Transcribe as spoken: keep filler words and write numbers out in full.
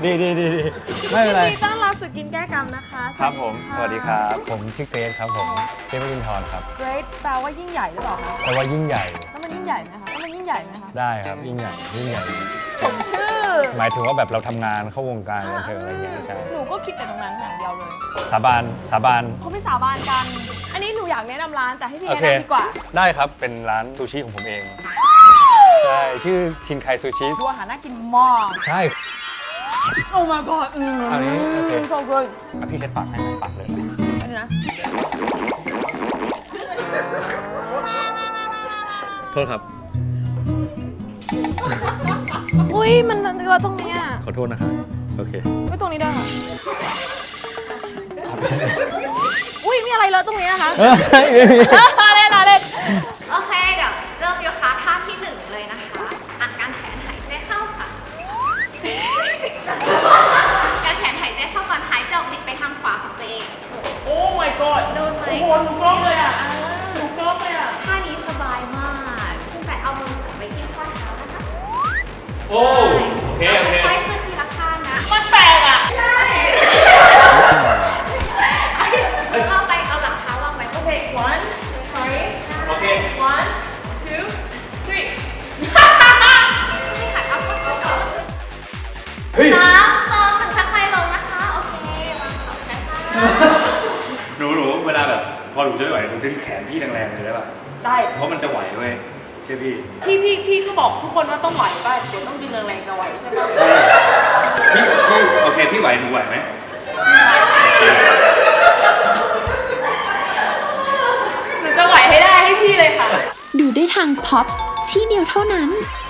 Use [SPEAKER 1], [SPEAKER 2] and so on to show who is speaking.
[SPEAKER 1] ดีดีดีดีไม่เป็นไร
[SPEAKER 2] ยินดีต้อนรับสู่กินแก้กรรมนะคะ
[SPEAKER 1] ครับผมสวัสดีครับผมชื่อเกรซครับผมเกรซวรินทร์ครับ
[SPEAKER 2] Great แปลว่ายิ่งใหญ่หรือเปล่าคะ
[SPEAKER 1] แปลว่ายิ่งใหญ่
[SPEAKER 2] แล้วมันยิ่งใหญ่ไหมคะแล้วมันยิ่งใหญ่ไหมคะ
[SPEAKER 1] ได้ครับยิ่งใหญ่ยิ่งใหญ่
[SPEAKER 2] ผมชื่อ
[SPEAKER 1] หมายถึงว่าแบบเราทำงานเข้าวงการบันเทิงอะไรอย่างเงี้ยใช่
[SPEAKER 2] หนูก็คิดแต่ตรงนั้นอย่างเดียวเลย
[SPEAKER 1] สาบานสาบาน
[SPEAKER 2] เขาไม่สาบานกัน อันนี้หนูอยากแนะนำร้านแต่ให้พี่
[SPEAKER 1] โอ
[SPEAKER 2] แนะ
[SPEAKER 1] เคน
[SPEAKER 2] ำดีกว่า
[SPEAKER 1] ได้ครับเป็นร้านซูชิของผมเองใช่ชื่อชินไคซูชิ
[SPEAKER 2] ดูอาหารน่ากินมาก
[SPEAKER 1] ใช่
[SPEAKER 2] โอ้ my god อืม
[SPEAKER 1] อันนี้โอเค
[SPEAKER 2] so good
[SPEAKER 1] อ่ะพี่เช็ดปากให้ไหมปากเลย
[SPEAKER 2] อันนี้นะ
[SPEAKER 1] โทษครับ
[SPEAKER 2] อุ้ยมันเราตรงเนี้ย
[SPEAKER 1] ขอโทษนะครับโอเค
[SPEAKER 2] อุ้ยตรงนี้ด้วยค่ะอุ้ยมีอะไรเลอะตรงนี้นะคะ
[SPEAKER 1] เฮ้ยไม่มี
[SPEAKER 2] เล่นเล่น
[SPEAKER 3] โอเค เดี๋ยวเริ่มโยคะท่าที่หนึ่งเลยนะคะอัดการแขนหายใจเข้าค่ะ การแขนหายใจเข้าก่อนหายใจออกบิดไปทางขวาของตัวเอง
[SPEAKER 2] โอ้ my god
[SPEAKER 3] โดนไหม
[SPEAKER 2] โอ้โหหนูกล้องเลยอ่ะหนูกล้องเลยอ่ะ
[SPEAKER 3] ท่านี้สบายมากคุณแปะเอามือจับไว้ที่ข้อเท้านะคะ
[SPEAKER 1] โอ้โอเคโอเค
[SPEAKER 3] ค่อยๆขึ้นทีละข้างนะ
[SPEAKER 2] มันแปลกอ่ะ
[SPEAKER 3] ใช่เข้าไปเอาหลังเท้าวางไว้
[SPEAKER 2] โอเค one sorry
[SPEAKER 1] โอเค
[SPEAKER 2] one two three
[SPEAKER 3] หัดเอาข้อเท้าก่อน
[SPEAKER 1] เฮ้ย
[SPEAKER 3] สามสองหนึ่งค่อยๆลงนะคะ โอเควางเท้าช้า
[SPEAKER 1] หนูหนูเวลาแบบพอหนูจะไม่ไหวหนูดึงแขนพี่แรงๆเลยได้ป่ะ
[SPEAKER 2] ได้
[SPEAKER 1] เพราะมันจะไหวเว้ยใช่พี่
[SPEAKER 2] พี่พี่พี่ก็บอกทุกคนว่าต้องไหวป่ะเดี๋ยวต้องดึงแรงๆจะไหวใช่ป่ะ
[SPEAKER 1] ใช่พี่พี่โอเคพี่ไหวหนูไหวไหม
[SPEAKER 2] หนูจะไหวให้ได้ให้พี่เลยค่ะ
[SPEAKER 4] ดูได้ทาง พ็อปส์ ที่เดียวเท่านั้น